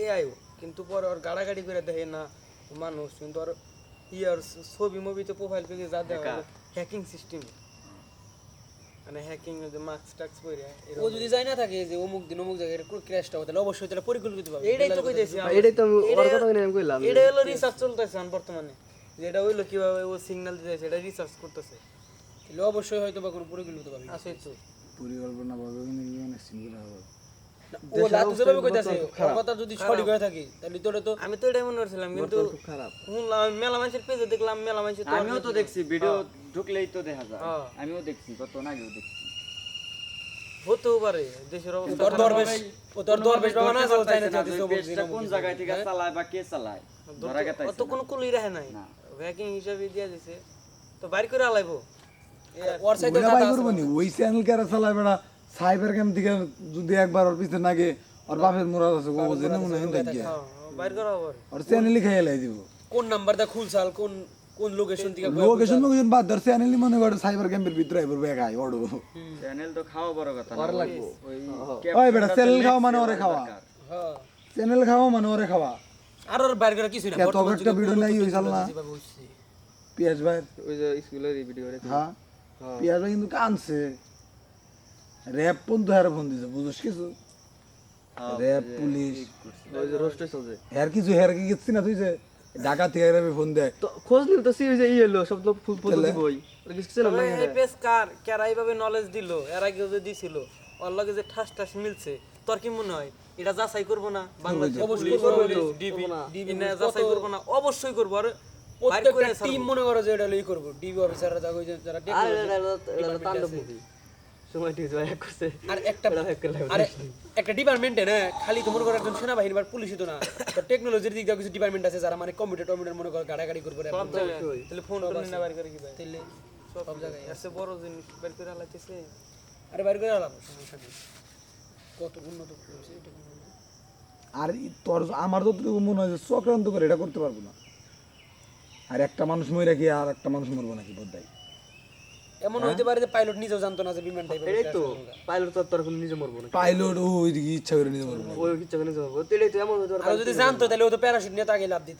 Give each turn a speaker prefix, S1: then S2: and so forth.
S1: AI কিন্তু পরে ওর গাড়াগাড়ি করে দেখে না মানুষ কিন্তু ওর ইয়ার ছবি মুভিতে প্রোফাইল পেজে যা দেওয়া হ্যাকিং সিস্টেম মানে হ্যাকিং যে মাস্ক টাক্স পরে
S2: ও যদি যায় না থাকে যে অমুক দিন অমুক জায়গায় ক্র্যাশটা হবে তাহলে অবশ্যই তাহলে পরিকল্পিত ভাবে
S1: এটাই তো কইতেছি
S3: এটাই তো আমি ওর কথা আমি কইলাম
S1: এটা হলো রিসার্চ চলতেছে বর্তমানে যেটা হইলো কিভাবে ও সিগন্যাল দিতেছে এটা রিসার্চ করতেছে
S2: তাহলে অবশ্যই হয়তো বা কোনো পরিকল্পিত ভাবে
S1: আছে তো
S4: পরিকল্পনা ভাবে কিন্তু অনেক সিঙ্গুলা হবে
S2: ও লাতু যেভাবে কইতাছে ওর কথা যদি সঠিক হয়ে থাকে তাহলে তোরে তো
S1: আমি তো এটাই মনে করছিলাম কিন্তু
S3: খুব খারাপ
S1: শুনলাম আমি মেলা মানুষের পেজে দেখলাম মেলা মানুষ তো
S5: আমিও তো দেখছি ভিডিও ঢুকলেই তো দেখা যায় আমিও দেখছি কত আগেও দেখছি
S1: হতেও পারে দেশের অবস্থা
S2: তোর দরবেশ ও তোর দরবেশ বাবা না যাও তাই না যাতে
S5: পেজটা কোন জায়গা থেকে চালায় বা কে চালায় ধরা গেছে
S1: অত কোনো কুলি রাখে নাই হ্যাকিং হিসাবে দিয়া দিছে তো বাইর করে আলাইবো
S2: ওর সাইডে
S4: ওইটা বাই করবো নি ওই চ্যানেল কারা চালায় বেড়া সাইবার ক্যাম্প থেকে যদি একবার ওর পিছনে নাগে ওর বাপের মোরাদ আছে ও জেনে মনে হয় দেখি
S1: বাইর করা হবে
S4: ওর চ্যানেলই খেয়ে লাই দিব
S2: কোন নাম্বারটা খুলছাল কোন কোন লোকেশন থেকে
S4: লোকেশন লোকেশন বাদ ধর চ্যানেলই মনে করে সাইবার ক্যাম্পের ভিতরে আইবো বেগাই ওড়ো
S5: চ্যানেল তো খাওয়া বড় কথা
S3: আর লাগবো
S4: ওই বেটা চ্যানেল খাওয়া মানে ওরে খাওয়া
S2: হ্যাঁ
S4: চ্যানেল খাওয়া মানে ওরে খাওয়া
S2: আর ওর বাইরে করে কিছু না
S4: এত একটা ভিডিও নাই হইছাল না পিয়াজ ভাই
S3: ওই যে স্কুলের ভিডিও রে
S4: হ্যাঁ পিয়াজ ভাই কিন্তু কানছে র্যাব পর্যন্ত হারে ফোন দিছে বুঝছিস কিছু র্যাব পুলিশ
S3: ওই যে রোস্টে চলছে
S4: হের কিছু হের কি গেছি না তুই যে ঢাকা থেকে র্যাবে ফোন দেয়
S3: তো খোঁজ নিল তো সেই যে হলো সব তো ফুল ফুল বই ওর কিছু ছিল না
S1: এই পেজ কার কারা এইভাবে নলেজ দিল এর আগে যে দিছিল ওর লগে যে ঠাস ঠাস মিলছে তোর কি মনে হয় এটা যাচাই করবো না বাংলাদেশ অবশ্যই ডিবি না যাচাই করবো না অবশ্যই করবো আর
S2: প্রত্যেকটা টিম মনে করো যে এটা লই করব ডিবি অফিসাররা যা কই যারা
S3: আর এটা তাণ্ডব মুভি সময় ঠিক জয় করছে
S2: আর একটা আর একটা ডিপার্টমেন্টে না খালি তো মনে করো একজন সেনাবাহিনী বা পুলিশই তো না তো টেকনোলজির দিক দিয়ে কিছু ডিপার্টমেন্ট আছে যারা মানে কম্পিউটার মনে করো গাড়াগাড়ি করবে
S1: সব জায়গায় তাহলে ফোন টোন না বাইর করে কি ভাই
S2: তাইলে
S1: সব জায়গায় এসে বড় জিনিস বাইর করে আলাইতেছে
S2: আরে বাইরে করে আলাম সমস্যা নেই কত উন্নত হয়েছে এটা
S4: আর তোর আমার যতটুকু মনে হয় যে চক্রান্ত করে এটা করতে পারবো না আর একটা মানুষ মরে কি আর একটা মানুষ মরবো নাকি বোধহয়
S2: এমন হইতে পারে যে পাইলট নিজেও জানতো না যে বিমান টাইপের
S3: এটাই তো পাইলট তো তোর কোনো নিজে মরবো না
S4: পাইলট ও ওইদিকে ইচ্ছা করে নিতে পারবো
S3: ওই কিচ্ছু নিজে মরবো তো এটাই তো এমন হতে
S2: আর যদি জানতো তাহলে ও তো প্যারাশুট নিয়ে তাকে লাভ দিত